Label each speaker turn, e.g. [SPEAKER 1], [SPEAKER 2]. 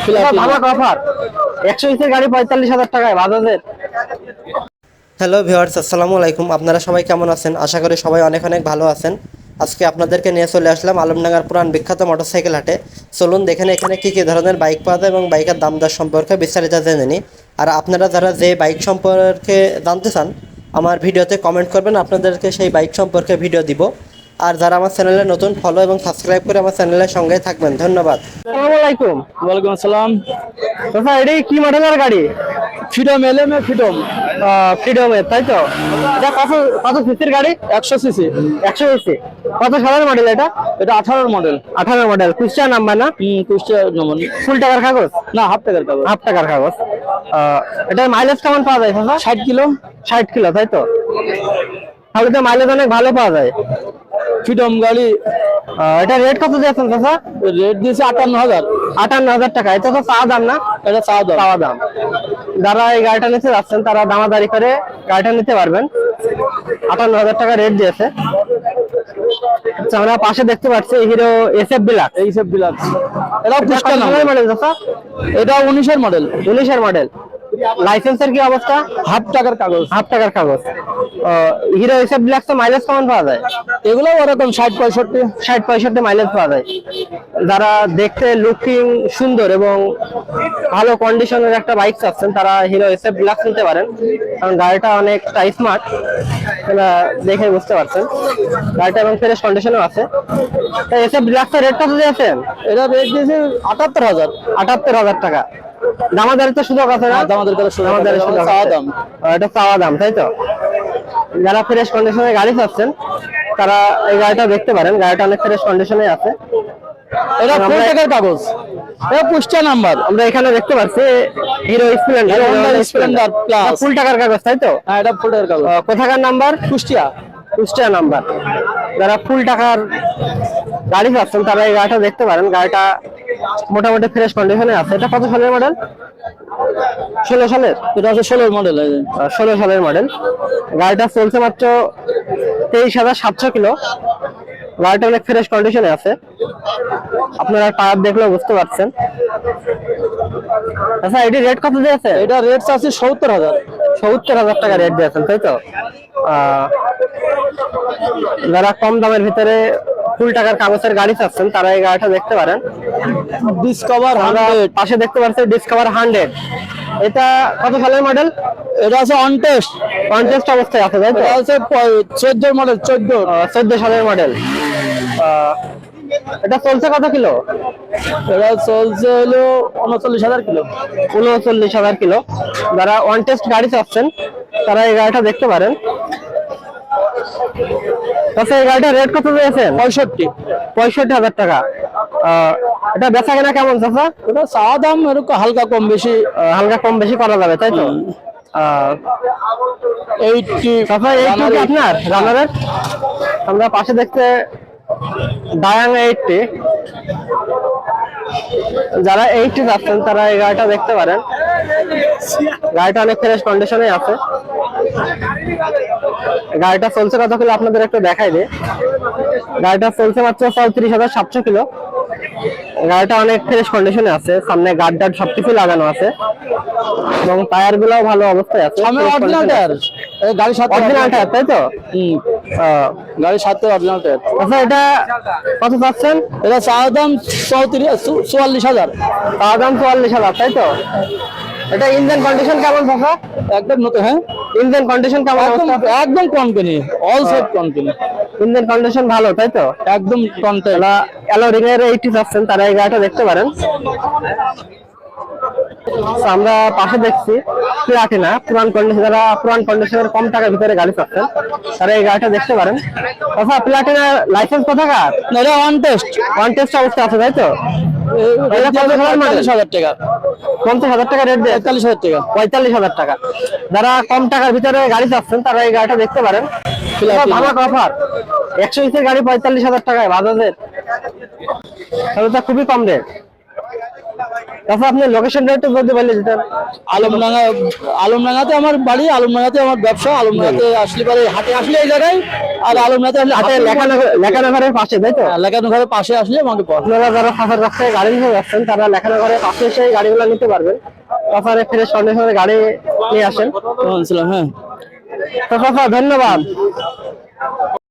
[SPEAKER 1] ধামাকা অফার 120 এর গাড়ি 45,000 টাকায় বাজাজের।
[SPEAKER 2] হ্যালো ভিউয়ার্স, আসসালামু আলাইকুম। আপনারা সবাই কেমন আছেন? আশা করি সবাই অনেক অনেক ভালো আছেন। আজকে আপনাদেরকে নিয়ে চলে আসলাম আলমডাঙ্গার পুরান বিখ্যাত মোটরসাইকেল হাটে। চলুন দেখেন এখানে কী কী ধরনের বাইক পাওয়া যায় এবং বাইকের দাম দর সম্পর্কে বিস্তারিত জেনে নিই। আর আপনারা যারা যে বাইক সম্পর্কে জানতে চান আমার ভিডিওতে কমেন্ট করবেন, আপনাদেরকে সেই বাইক সম্পর্কে ভিডিও দিব। আর যারা আমার চ্যানেলে নতুন ফলো এবং সাবস্ক্রাইব করে আমার চ্যানেলের সঙ্গে থাকবেন, ধন্যবাদ।
[SPEAKER 1] আসসালামু আলাইকুম।
[SPEAKER 3] ওয়ালাইকুম আসসালাম।
[SPEAKER 1] দাদা এটাই কি মডেলের গাড়ি?
[SPEAKER 3] ফ্রিডম এলএম ফ্রিডম
[SPEAKER 1] ফ্রিডমের, তাই তো? এটা কত কত সিসির গাড়ি?
[SPEAKER 3] 100 সিসি।
[SPEAKER 1] 100 সিসি। কত সালের মডেল এটা?
[SPEAKER 3] এটা 18 মডেল।
[SPEAKER 1] 18 মডেল। কুষ্টিয়া নাম্বার না?
[SPEAKER 3] কুষ্টিয়া নম্বর।
[SPEAKER 1] ফুল টাকার কাগজ
[SPEAKER 3] না, হাফ টাকার কাগজ।
[SPEAKER 1] হাফ টাকার কাগজ। এটার মাইলেজ কেমন পাওয়া যায় দাদা?
[SPEAKER 3] 60 কিলো।
[SPEAKER 1] 60 কিলো, তাই তো? তাহলে তো মাইলেজ অনেক ভালো পাওয়া যায়।
[SPEAKER 3] ফ্রিডম গাড়ি।
[SPEAKER 1] এটা রেট কত দিয়েছেন দাদা?
[SPEAKER 3] রেট দিয়েছে 58,000।
[SPEAKER 1] 58,000 টাকা। এটা তো চাওয়া দাম না?
[SPEAKER 3] এটা
[SPEAKER 1] চাওয়া দাম। যারা এই গাড়িটা নিতে যাচ্ছেন তারা দামাদারি করে গাড়িটা নিতে পারবেন। 58,000 টাকা রেট দিয়েছে। আচ্ছা, আমরা পাশে দেখতে পাচ্ছি হিরো এসএফ ডিলাক্স।
[SPEAKER 3] এইসব বিলাক্স। এটা কুষ্টিয়া
[SPEAKER 1] সালের মডেল দাদা?
[SPEAKER 3] এটা 19 এর মডেল।
[SPEAKER 1] 19 এর মডেল। লাইসেন্সের কি অবস্থা?
[SPEAKER 3] হাফ টাকার কাগজ।
[SPEAKER 1] হাফ টাকার কাগজ। হিরো এসএফ ডিলাক্স মাইলেজ কেমন পাওয়া যায়?
[SPEAKER 3] এগুলো ওরকম 60-65।
[SPEAKER 1] 60-65 মাইলেজ পাওয়া যায়। যারা দেখতে লুকিং সুন্দর এবং ভালো কন্ডিশনের একটা বাইক চাচ্ছেন তারা হিরো এসএফ ডিলাক্স নিতে পারেন, কারণ গাড়িটা অনেকটা স্মার্ট, দেখে বুঝতে পারছেন। গাড়িটা এবং ফ্রেশ কন্ডিশনেও আছে। এসএফ ডিলাক্সের রেট কত দিয়েছেন?
[SPEAKER 3] এটা রেট দিয়েছে 78,000।
[SPEAKER 1] 78,000 টাকা। দামাদারি তো সুযোগ আছে না?
[SPEAKER 3] আমাদের কাছে
[SPEAKER 1] দামাদারির সুযোগ
[SPEAKER 3] চাওয়া
[SPEAKER 1] আছে।
[SPEAKER 3] দাম।
[SPEAKER 1] এটা চাওয়া দাম, তাই তো? যারা ফ্রেশ কন্ডিশনের গাড়ি চাচ্ছেন তারা এই গাড়িটা দেখতে পারেন। গাড়িটা অনেক ফ্রেশ কন্ডিশনে আছে।
[SPEAKER 3] এটা ফুল টাকার কাগজ। এটা কুষ্টিয়া নাম্বার।
[SPEAKER 1] আমরা এখানে দেখতে পাচ্ছি Hero Splendor.
[SPEAKER 3] Splendor Plus.
[SPEAKER 1] Full টাকার কাগজ, তাই তো?
[SPEAKER 3] হ্যাঁ, এটা ফুল টাকার কাগজ।
[SPEAKER 1] কোথাকার নাম্বার?
[SPEAKER 3] কুষ্টিয়া।
[SPEAKER 1] কুষ্টিয়া নাম্বার। যারা ফুল টাকার গাড়ি চাচ্ছেন তারা এই গাড়িটা দেখতে পারেন। গাড়িটা মোটামুটি ফ্রেশ কন্ডিশনে আছে। এটা কত সালের মডেল? 16 সালের।
[SPEAKER 3] এটা হচ্ছে 16 মডেল।
[SPEAKER 1] 16 সালের মডেল। গাড়িটা চলছে মাত্র 23,700 কিলো। গাড়িটা অনেক ফ্রেশ কন্ডিশনে আছে, আপনারা টায়ার দেখলেও বুঝতে পারছেন। আচ্ছা, এটি রেট কত দিয়েছে?
[SPEAKER 3] এটা রেট আছে 70,000।
[SPEAKER 1] 70,000 টাকা রেট দিয়েছেন, তাই তো? যারা কম দামের ভিতরে ফুল টাকার কাগজের গাড়ি চাচ্ছেন তারা এই গাড়িটা দেখতে পারেন।
[SPEAKER 3] ডিসকভার
[SPEAKER 1] আমরা
[SPEAKER 3] 100।
[SPEAKER 1] পাশে দেখতে পাচ্ছি ডিসকভার 100। এটা কত সালের মডেল?
[SPEAKER 3] এটা আছে অন টেস্ট।
[SPEAKER 1] কন্টেস্ট অবস্থায় আছে, তাই তো?
[SPEAKER 3] এটা আছে 14 মডেল।
[SPEAKER 1] 14 সালের মডেল। এটা চলছে কত কিলো?
[SPEAKER 3] এটা চলছে হলো 39,000 কিলো।
[SPEAKER 1] 39,000 কিলো। যারা ওয়ান টেস্ট গাড়ি চাচ্ছেন তারা এই গাড়িটা দেখতে পারেন। আচ্ছা, এই গাড়িটা রেট কত দিয়েছেন? 65,000 টাকা। এটা বেচা কেনা কেমন চাচা?
[SPEAKER 3] এটা চাওয়া দাম এরকম হালকা কম বেশি।
[SPEAKER 1] হালকা কম বেশি করা যাবে, তাই তো?
[SPEAKER 3] 80
[SPEAKER 1] চাচা এইটুকু কি আপনার রানারের? আমরা পাশে দেখতে ডায়াং 80। যারা 80 যাচ্ছেন তারা এই গাড়িটা দেখতে পারেন। গাড়িটা অনেক ফ্রেশ কন্ডিশনে আছে। গাড়িটা চলছে কত কিলো আপনাদের একটু দেখাই দে। গাড়িটা চলছে মাত্র 34,700 কিলো। গাড়িটা অনেক ফ্রেশ কন্ডিশনে আছে। সামনে গার্ড টার্ড সবকিছু লাগানো আছে এবং টায়ার গুলাও ভালো অবস্থায় আছে।
[SPEAKER 3] Original tyre. গাড়ির সাথে
[SPEAKER 1] অরিজিনাল টায়ার, তাই তো?
[SPEAKER 3] গাড়ির সাথে অরিজিনাল টায়ার।
[SPEAKER 1] আচ্ছা, এটা কত পাচ্ছেন?
[SPEAKER 3] এটা চাওয়া দাম 44,000।
[SPEAKER 1] চাওয়া দাম 44,000, তাই তো? এটা ইঞ্জিন কন্ডিশন কেমন পাচ্ছা?
[SPEAKER 3] একদম নতুন। হ্যাঁ,
[SPEAKER 1] ইঞ্জিন কন্ডিশন কেমন?
[SPEAKER 3] একদম company, all set company.
[SPEAKER 1] Engine condition ভালো, তাই তো?
[SPEAKER 3] একদম কন্টেন্ট।
[SPEAKER 1] অ্যালো রিং এর 80 পাচ্ছেন তারা এই গাড়িটা দেখতে পারেন। আমরা পাশে দেখছি প্লাটিনা পুরান কন্ডিশন। যারা পুরান কন্ডিশনের কম টাকার ভিতরে গাড়ি পাচ্ছেন তারা এই গাড়িটা দেখতে পারেন। আচ্ছা, প্লাটিনা লাইসেন্স কোথাকার?
[SPEAKER 3] এটা ওয়ান টেস্ট।
[SPEAKER 1] ওয়ান টেস্ট অবস্থা আছে, তাই তো?
[SPEAKER 3] 45,000 টাকা।
[SPEAKER 1] 50,000 টাকা রেট দেয়।
[SPEAKER 3] 45,000 টাকা।
[SPEAKER 1] 45,000 টাকা। যারা কম টাকার ভিতরে গাড়ি চাচ্ছেন তারা এই গাড়িটা দেখতে পারেন। ধামাকা অফার 120 এর গাড়ি 45,000 টাকায় বাজাজের। তাহলে তো খুবই কম রেট। তারপর আপনি লোকেশনটা একটু বলতে পারলে যেটা।
[SPEAKER 3] আলমডাঙ্গাতে আমার বাড়ি, আলমডাঙ্গাতে আমার ব্যবসা। আলমডাঙ্গাতে আসলে পরে হাটে আসলে এই জায়গায়, আর আলমডাঙ্গাতে আসলে
[SPEAKER 1] হাটে লেখানগরের পাশে, তাই তো?
[SPEAKER 3] লেখানগরের পাশে আসলে আমাকে পাওয়া
[SPEAKER 1] আপনারা যারা ফাঁসার কাছ থেকে গাড়ি নিতে যাচ্ছেন তারা লেখানগরের পাশে এসে এই গাড়িগুলো নিতে পারবেন। তারপরে ফ্রেশ কন্ডিশনের গাড়ি নিয়ে আসেন।
[SPEAKER 3] যায়। হ্যাঁ
[SPEAKER 1] তো ধন্যবাদ।